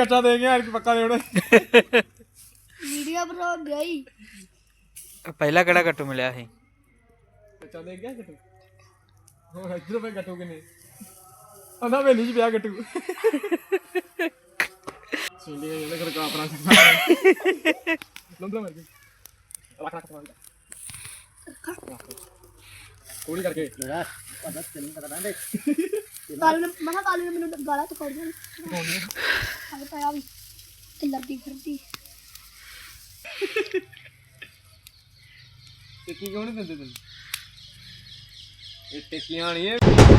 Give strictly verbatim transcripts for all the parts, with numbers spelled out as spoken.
ਕੱਚਾ ਦੇ ਗਿਆ ਯਾਰ ਪੱਕਾ ਦੇ ਉਹਨੇ ਵੀਡੀਓ ਬਣਾ ਗਈ ਪਹਿਲਾ ਕਿਹੜਾ ਕੱਟੂ ਮਿਲਿਆ ਸੀ ਕੱਚਾ ਦੇ ਗਿਆ ਕੱਟੂ ਹੋਰ ਇੱਧਰ ਪੇ ਕੱਟੂ ਕਿਨੇ ਆਂਦਾ ਵੇਲੀ ਚ ਪਿਆ ਕੱਟੂ ਸਿੰਡੀ ਇਹਨੇ ਕਰ ਕਾ ਆਪਣਾ ਲੰਬਾ ਮਰ ਗਿਆ ਰੱਖ ਰੱਖ ਮਾਰ ਕੋੜੀ ਕਰਕੇ ਯਾਰ ਪਤਾ ਤੈਨੂੰ ਪਤਾ ਨਾ ਕੱਲ ਮਨਾ ਕੱਲ ਨੇ ਮੈਨੂੰ ਗਾਲਾਂ ਤੋਂ ਕੱਢ ਦੇਣਾ ਹਾਲੇ ਪਾਇਆ ਵੀ ਤੇ ਲੜਦੀ ਫਿਰਦੀ ਤੇ ਕੀ ਕਿਉਂ ਨਹੀਂ ਦਿੰਦੇ ਤੈਨੂੰ ਇਹ ਟਿੱਕੀਆਂ ਨਹੀਂ ਇਹ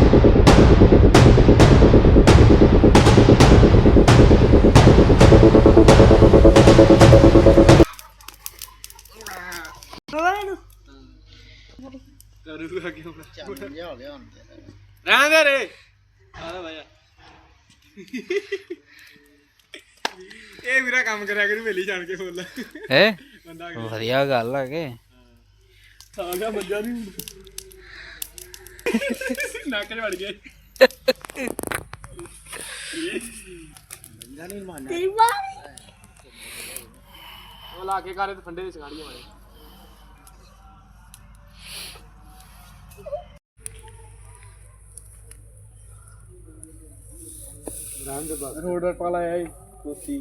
ਕਰੂਗਾ ਕਿਉਂ ਚੱਲ ਜਾ ਹੋ ਗਿਆ ਹੁਣ ਰਹਿੰਦੇ ਰੇ ਆਹ ਭਾਇਆ ਇਹ ਵੀਰਾ ਕੰਮ ਕਰਿਆ ਕਰੂ ਵੇਲੀ ਜਾਣ ਕੇ ਫੁੱਲ ਹੈ ਬੰਦਾ ਵਧੀਆ ਗੱਲ ਆ ਕੇ ਆ ਗਿਆ ਮੱਜਾ ਨਹੀਂ ਨੱਕ ਚ ਵੜ ਗਿਆ ਬੰਦਾ ਨਹੀਂ ਮਾਰਨਾ ਤੇਰੀ ਵਾਰੀ ਉਹ ਲਾ ਕੇ ਘਰੇ ਤੇ ਫੰਡੇ ਦੇ ਸਗਾੜੀਆਂ ਮਾਰੇ ਰਾਮ ਦੇ ਬਾਅਦ ਰੋਡ ਪਰ ਪਾਲਾ ਆਈ ਕੁੱਤੀ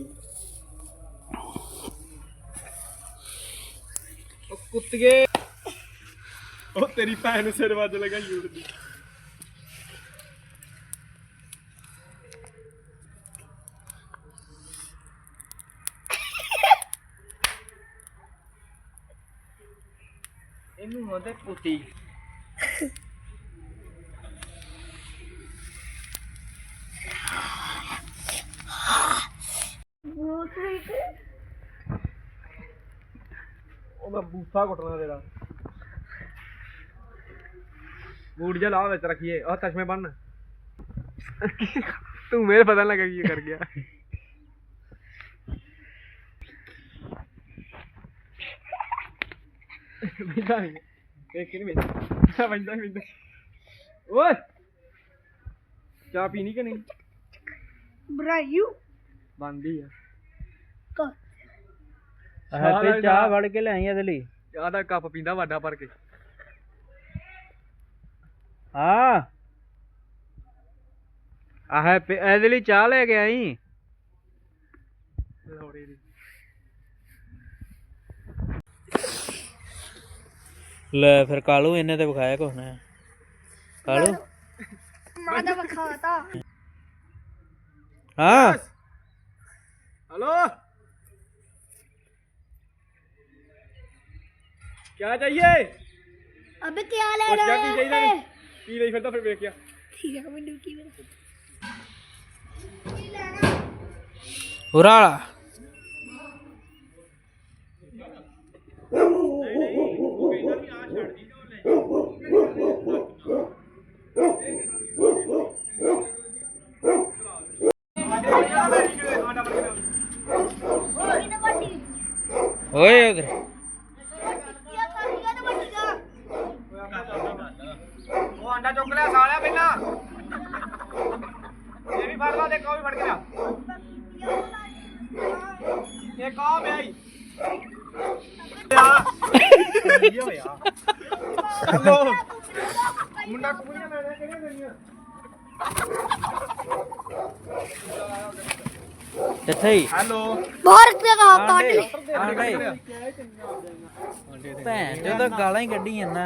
ਉਹ ਕੁੱਤਗੇ ਉਹ ਤੇਰੀ ਭੈਣ ਨੂੰ ਸਿਰ ਵੱਜ ਲਗਾ ਯੂੜ ਦੀ ਇਹਨੂੰ ਹੁੰਦੇ ਕੁੱਤੀ ਉਹਦਾ ਬੂਥਾ ਕੁੱਟਣਾ ਤੇਰਾ ਬੂਟ ਜਾ ਲਾ ਵਿੱਚ ਰੱਖੀਏ ਆਹ ਚਸ਼ਮੇ ਬੰਨ ਤੂੰ ਮੇਰੇ ਪਤਾ ਲੱਗਾ ਕੀ ਕਰ ਗਿਆ ਬਿੰਦਾ ਨਹੀਂ ਦੇਖ ਕਿ ਨਹੀਂ ਬਿੰਦਾ ਬਿੰਦਾ ਬਿੰਦਾ ਓਏ ਚਾਹ ਪੀਣੀ ਕਿ ਨਹੀਂ ਬਰਾਈਓ ਬੰਦੀ ਆ ਕਾ ਹੈ ਤੇ ਚਾਹ ਵੜ ਕੇ ਲਿਆਈ ਇਹਦੇ ਲਈ ਚਾਹ ਦਾ ਕੱਪ ਪੀਂਦਾ ਵੱਡਾ ਭਰ ਕੇ ਹਾਂ ਆਹ ਇਹਦੇ ਲਈ ਚਾਹ ਲੈ ਕੇ ਆਈ ਲੋੜੇ ਦੀ ਲੈ ਫਿਰ ਕਾਲੂ ਇਹਨੇ ਤੇ ਵਿਖਾਇਆ ਕੁਛ ਨਾ ਕਾਲੂ ਮਾਂ ਦਾ ਵਖਾਤਾ ਹਾਂ हेलो क्या चाहिए अबे क्या ले और क्या रहा की चाहिए है की नहीं फिरता फिर देख क्या ठीक है मैं ड्यूटी में उराला ओए उधर वो अंडा चुक लिया सालिया बिना ये भी फड़ ला देख भी फड़ के ला ये कौन है यार हेलो मुंडा कुड़ियां मैंने केड़े देनियां किथे ही हेलो बाहर पे का काट ले भैन जो तो गालां ही कड्डी जन्ना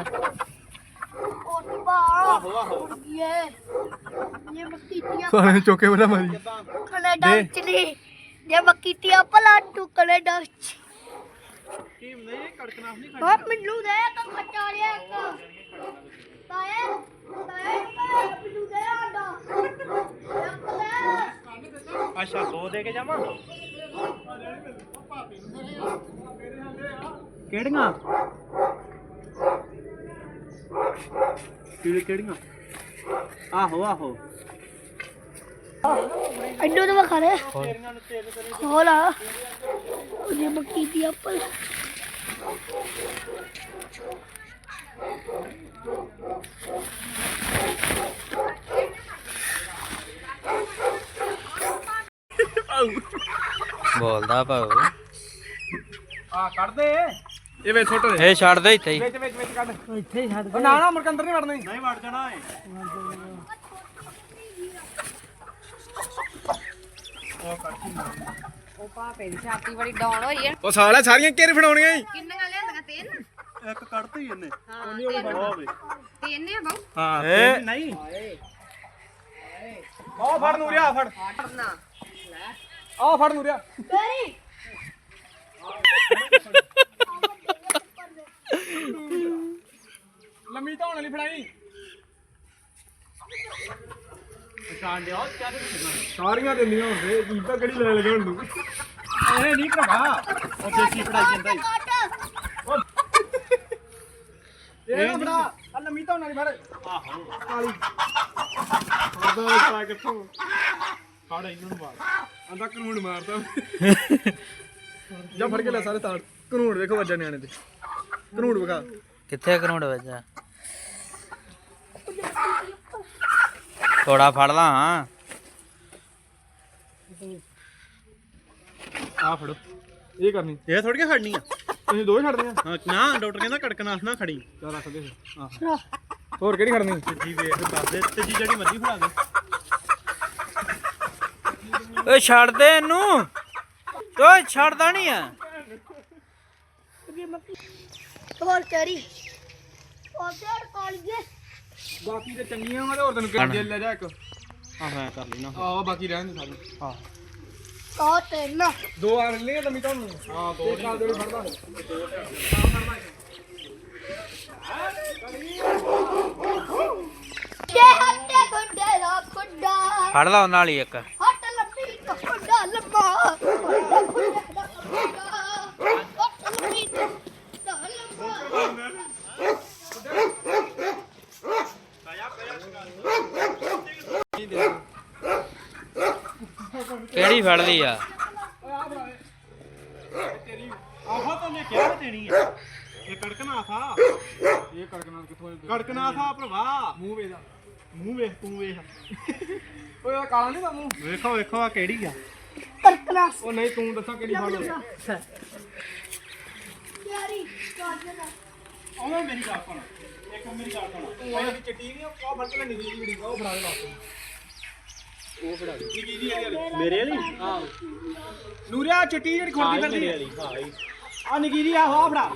ये ये मक्कीटियां साले चौके वाला मारी कनाडा चली ये मक्कीटियां पलाटू कनाडा टीम नहीं कड़कनाफ नहीं हां मिल्लू दे तो खट्टा लिया ताए ताए मिल्लू दे आंडा अच्छा दो दे के जावा केड़ियां केड़ी केड़ियां आहो आहो अंडो तो खा ले खोला ये मक्की दी एप्पल ਬੋਲਦਾ ਭਾਉ ਆ ਕੱਢ ਦੇ ਇਹ ਵਿੱਚ ਸੁੱਟ ਦੇ ਇਹ ਛੱਡ ਦੇ ਇੱਥੇ ਹੀ ਵਿੱਚ ਵਿੱਚ ਵਿੱਚ ਕੱਢ ਇੱਥੇ ਹੀ ਛੱਡ ਨਾ ਨਾ ਮੁੜ ਕੇ ਅੰਦਰ ਨਹੀਂ ਵੜਨਾ ਨਹੀਂ ਵੜ ਜਾਣਾ ਏ ਉਹ ਭਾਪੇ ਦੀ ਛਾਤੀ ਬੜੀ ਡਾਊਨ ਹੋਈ ਹੈ। ਉਹ ਸਾਲਾ ਸਾਰੀਆਂ ਘੇਰੇ ਫੜਾਉਣੀਆਂ ਈ ਕਿੰਨੀਆਂ ਲਿਆਂਦੀਆਂ ਤਿੰਨ? ਇੱਕ ਕੱਢਤੀ ਇਹਨੇ ਹਾਂ ਤਿੰਨ ਤਿੰਨ ਆ ਬਾਊ। ਹਾਂ ਇਹ ਨਹੀਂ ਆਹ ਫੜ ਨੂਰਿਆ ਫੜ ਨਾ ਆਹ ਫੜ ਨੂਰਿਆ ਤੇਰੀ ਲੰਮੀ ਧੌਣ ਵਾਲੀ ਫੜਾਈ ਪਛਾਣ ਲਿਆ ਸਾਰੀਆਂ ਦਿੰਦੀਆਂ ਹੁੰਦੇ ਕੀ ਤਾਂ ਕਿਹੜੀ ਲੈ ਲਗਾ ਹੁਣ ਤੂੰ ਇਹ ਨਹੀਂ ਭਰਾ ਉਹ ਦੇਸੀ ਫੜਾਈ ਜਾਂਦਾ ਈ ਇਹ ਨਾ ਫੜਾ ਆ ਲੰਮੀ ਧੌਣ ਵਾਲੀ ਫੜ ਆਹੋ ਕਾਲੀ ਉਹਦਾ ਖਾ ਕਿੱਥੋਂ ਫੜ ਇਹਨਾਂ ਨੂੰ ਮਾਰ ਆਂਦਾ ਕਾਨੂੰਨ ਮਾਰਦਾ ਜਾ ਫੜ ਕੇ ਲੈ ਸਾਰੇ ਤਾੜ ਕਾਨੂੰਨ ਵੇਖੋ ਵੱਜਾ ਨਿਆਣੇ ਤੇ ਕਾਨੂੰਨ ਵਿਖਾ ਕਿੱਥੇ ਕਰੋੜ ਵੱਜਾ ਥੋੜਾ ਫੜ ਲਾ ਹਾਂ ਆ ਫੜੋ ਇਹ ਕਰਨੀ ਇਹ ਥੋੜੀ ਕਿ ਖੜਨੀ ਆ ਤੁਸੀਂ ਦੋ ਹੀ ਛੱਡਦੇ ਆ ਹਾਂ, ਨਾ ਡਾਕਟਰ ਕਹਿੰਦਾ ਕੜਕਨਾਥ ਨਾ ਖੜੀ ਚਲ ਰੱਖ ਦੇ ਫਿਰ ਆਹ ਹੋਰ ਕਿਹੜੀ ਖੜਨੀ ਜੀ ਵੇਖ ਦੱਸ ਦੇ ਤੇ ਜੀ ਜਿਹੜੀ ਮਰਜ਼ੀ ਫੜਾ ਦੇ ਓਏ ਛੱਡ ਦੇ ਇਹਨੂੰ ਓਏ ਛੱਡਦਾ ਨਹੀਂ ਆ ਹੋਰ ਤੇਰੀ ਉਹ ਤੇਰ ਕਾਲੀਏ ਬਾਕੀ ਤੇ ਚੰਗੀਆਂ ਵਾ ਤੇ ਹੋਰ ਤੈਨੂੰ ਕਿਹੜੀ ਜੇਲ ਲੈ ਜਾ ਇੱਕ ਆਹ ਮੈਂ ਕਰ ਲੈਣਾ ਆਹ ਬਾਕੀ ਰਹਿਣ ਦੇ ਸਾਰੇ ਹਾਂ ਕਾ ਤੇਨ ਦੋ ਆ ਲੈ ਲੰਮੀ ਤੁਹਾਨੂੰ ਹਾਂ ਦੋ ਇੱਕ ਆ ਜਿਹੜੀ ਫੜਦਾ ਕੇ ਹੱਟੇ ਖੁੱਡੇ ਦਾ ਖੁੱਡਾ ਫੜ ਲਾ ਉਹਨਾਂ ਵਾਲੀ ਇੱਕ ਹੱਟ ਲੱਭੀ ਦਾ ਖੁੱਡਾ ਲੰਮਾ ਹੱਟ ਖੁੱਡੇ ਦਾ ਖੁੱਡਾ ਹੱਟ ਲੱਭੀ ਦਾ ਲੰਮਾ ਕਿਹੜੀ ਫੜ ਲਈ ਆ ਆਹੋ ਤਾਂ ਮੈਂ ਕਿਹਾ ਦੇਣੀ ਆ ਇਹ ਕੜਕਨਾਥ ਆ ਇਹ ਕੜਕਣਾ ਕਿੱਥੋਂ ਕੜਕਨਾਥ ਆ ਭਰਾਵਾ ਮੂੰਹ ਵੇਦਾ ਮੂੰਹ ਵੇਖ ਤੂੰ ਵੇਖ ਓਏ ਆ ਕਾਲਾ ਨਹੀਂ ਮੂੰਹ ਵੇਖੋ ਵੇਖੋ ਆ ਕਿਹੜੀ ਆ ਕਰਕਨਾ ਉਹ ਨਹੀਂ ਤੂੰ ਦੱਸਾਂ ਕਿਹੜੀ ਫੜ ਲਓ ਯਾਰੀ ਕਾਜਨਾ ਆਹ ਮੇਰੀ ਗੱਲ ਸੁਣ ਇੱਕ ਮੇਰੀ ਗੱਲ ਸੁਣ ਉਹ ਜਿਹੜੀ ਚਿੱਟੀ ਨਹੀਂ ਉਹ ਫੜ ਕੇ ਲੈਣੀ ਦੀ ਜਿਹੜੀ ਉਹ ਫੜਾ ਦੇ ਵਾਸਤੇ ਉਹ ਫੜਾ ਦੇ ਕੀ ਦੀ ਮੇਰੇ ਵਾਲੀ ਹਾਂ ਨੂਰਿਆ ਚਿੱਟੀ ਜਿਹੜੀ ਖੁਰਦੀ ਮੇਰੇ ਫਿਰਦੀ ਵਾਲੀ ਹਾਂ ਇਹ। ਆ ਨਗੀਰੀ ਆ ਹੋ ਫੜਾ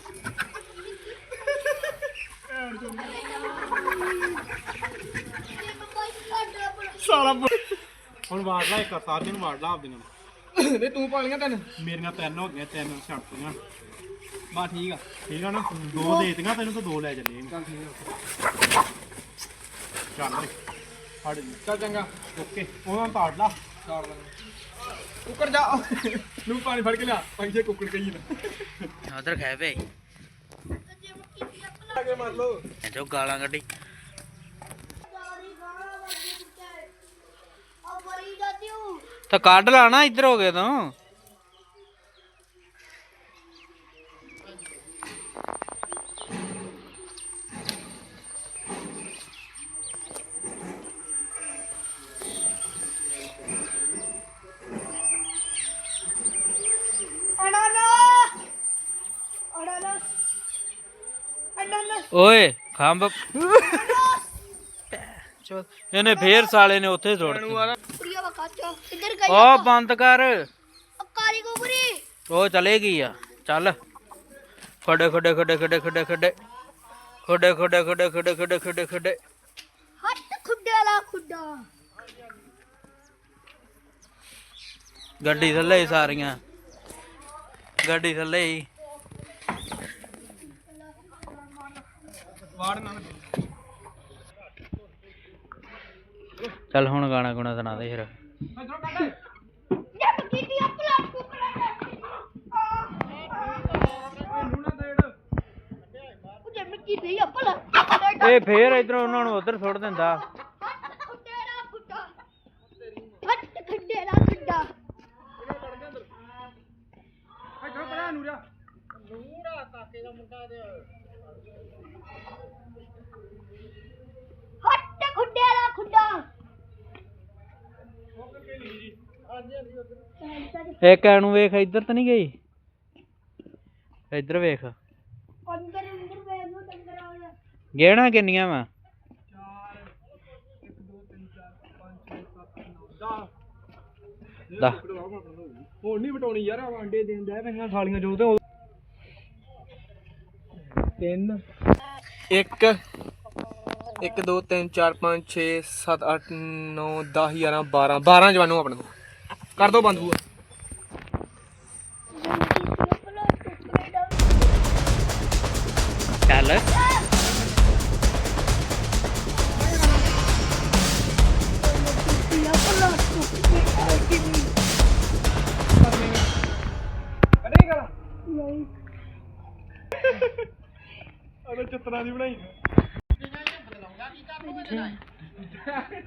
ਸਾਲਾ ਹੁਣ ਵਾੜ ਲਾ ਇੱਕ ਸਾਰਿਆਂ ਨੂੰ ਵਾੜ ਲਾ ਆਪਦੇ ਨਾਲ ਨਹੀਂ ਤੂੰ ਪਾਲੀਆਂ ਤੈਨੂੰ ਮੇਰੀਆਂ ਤਿੰਨ ਹੋ ਗਈਆਂ ਤਿੰਨ ਛੱਡਤੀਆਂ ਬਾ ਠੀਕ ਆ ਠੀਕ ਆ ਨਾ ਦੋ ਦੇ ਦਿੱਤੀਆਂ ਤੈਨੂੰ ਤਾਂ ਦੋ ਲੈ ਚੱਲੇ ਚੱਲ ਠੀਕ ਆ ਚੱਲ ਓਏ ਫੜ ਲਈ ਚੱਲ ਚੰਗਾ ਓਕੇ ਉਹਨਾਂ ਨੂੰ ਪਾੜ ਲਾ ਛਾੜ ਲੈ ਕੁੱਕਰ ਜਾ ਨੂੰ ਪਾਣੀ ਫੜ ਕੇ ਲਿਆ ਪੰਜੇ ਕੁੱਕੜ ਕਹੀ ਨਾ ਉਧਰ ਖਾਏ ਵੇ ਆ ਕੇ ਮਾਰ ਲੋ ਜੋ ਗਾਲਾਂ ਕੱਢੀ ਤਾਂ ਕੱਢ ਲਾ ਨਾ ਇੱਧਰ ਹੋ ਗਏ ਤੂੰ ਓਏ ਖੰਭ ਚੋ ਇਹਨੇ ਫੇਰ ਸਾਲੇ ਨੇ ਉੱਥੇ ਸੁੱਟਤੀ ਪ੍ਰਿਆ ਵਕਾਚਾ ਕਿੱਧਰ ਗਈ ਉਹ ਬੰਦ ਕਰ ਕਾਲੀ ਗੋਬਰੀ ਉਹ ਚਲੇ ਗਈ ਆ ਚੱਲ ਖੜੇ ਖੜੇ ਖੜੇ ਖੜੇ ਖੜੇ ਖੜੇ ਖੜੇ ਖੜੇ ਖੜੇ ਖੜੇ ਖੜੇ ਖੜੇ ਖੜੇ ਹੱਟ ਖੁੱਡੇ ਲਾ ਖੁੱਡਾ ਗੱਡੀ ਥੱਲੇ ਹੀ ਸਾਰੀਆਂ ਗੱਡੀ ਥੱਲੇ ਹੀ ਵਾੜ ਨਾ ਚੱਲ ਹੁਣ ਗਾਣਾ ਗੁਣਾ ਸੁਣਾ ਦੇ ਫਿਰ ਇਧਰੋਂ ਕੱਢ ਜੇ ਬਕੀਤੀ ਅਪਲਾ ਕੁਕੜਾ ਨੂੰ ਨਾ ਦੇੜ ਉਹ ਜੇ ਮਿੱਟੀ ਦੇ ਅਪਲਾ ਇਹ ਫੇਰ ਇਧਰੋਂ ਉਹਨਾਂ ਨੂੰ ਉਧਰ ਸੁੱਟ ਦਿੰਦਾ ਹੱਟ ਖੁੱਡੇ ਲਾ ਖੁੱਡਾ ਹੱਟ ਖੁੱਡੇ ਲਾ ਖੁੱਡਾ ਇਧਰੋਂ ਪੜਾ ਨੂਰਾ ਹੱਟ ਖੁੱਡੇ ਲਾ ਖੁੱਡਾ ਇੱਕ ਐਨੂੰ ਵੇਖ, ਇੱਧਰ ਤਾਂ ਨਹੀਂ ਗਈ? ਇੱਧਰ ਵੇਖ। ਅੰਦਰ ਅੰਦਰ ਵੇਖ ਲੋ ਡੰਗਰ ਆ ਗਿਆ। ਗੇਣਾ ਕਿੰਨੀਆਂ ਵਾ? ਦਸ। ਹੁਣ ਨਹੀਂ ਵਟਾਉਣੀ ਯਾਰ, ਆ ਆਂਡੇ ਦੇਣ ਦੇ ਪਈਆਂ ਸਾਲੀਆਂ ਜੋ ਤੇ ਤਿੰਨ ਇੱਕ ਇੱਕ ਦੋ ਤਿੰਨ ਚਾਰ ਪੰਜ ਛੇ ਸੱਤ ਅੱਠ ਨੌ ਦਸ ਗਿਆਰਾਂ ਬਾਰਾਂ ਬਾਰਾਂ ਜਵਾਨੋਂ ਆਪਣੇ ਤੋਂ ਕਰ ਦੋ ਬੰਦ ਬੂਆ। ਚੱਲ ਅਰੇ ਗੱਲ ਨਹੀਂ ਅਰੇ ਚਿੱਤਰਾਂ ਦੀ ਬਣਾਈ